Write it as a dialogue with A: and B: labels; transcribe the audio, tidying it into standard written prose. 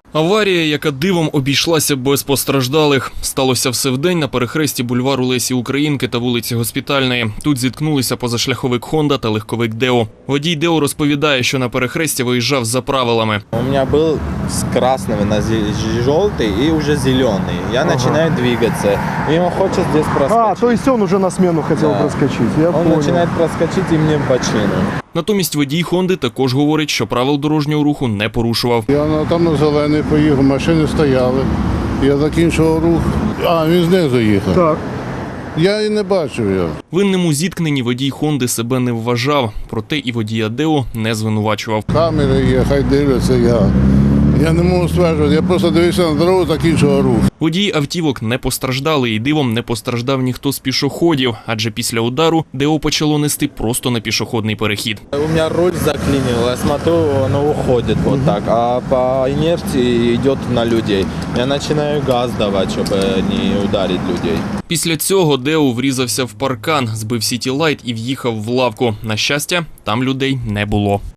A: Аварія, яка дивом обійшлася без постраждалих. Сталося все вдень на перехресті бульвару Лесі Українки та вулиці Госпітальної. Тут зіткнулися позашляховик «Хонда» та легковик «Део». Водій «Део» розповідає, що на перехресті виїжджав за правилами.
B: У меня был с красного на желтый и уже зеленый. Я начинаю двигаться. И он хочет здесь проскочить.
C: то есть он уже на смену хотел проскочить, я
B: Он
C: понял.
B: начинает проскочить и мне в бочину.
A: Натомість водій «Хонди» також говорить, що правил дорожнього руху не порушував.
D: Я там на зелений поїхав, машини стояли. Я закінчував рух, він знизу їхав.
C: Так.
D: Я і не бачив його.
A: Винним у зіткненні водій «Хонди» себе не вважав, проте і водія «Део» не звинувачував.
D: Камери є, хай дивляться, я не можу стверджувати, я просто дивився на дорогу, закінчував рух.
A: Водії автівок не постраждали і дивом не постраждав ніхто з пішоходів, адже після удару «Део» почало нести просто на пішохідний перехід.
B: У меня руль заклинил, я смотрю, оно уходит вот так, а по инерции идет на людей. Я начинаю газ давать, чтобы не ударить людей.
A: Після цього «Део» врізався в паркан, збив «Сіті Лайт» і в'їхав в лавку. На щастя, там людей не було.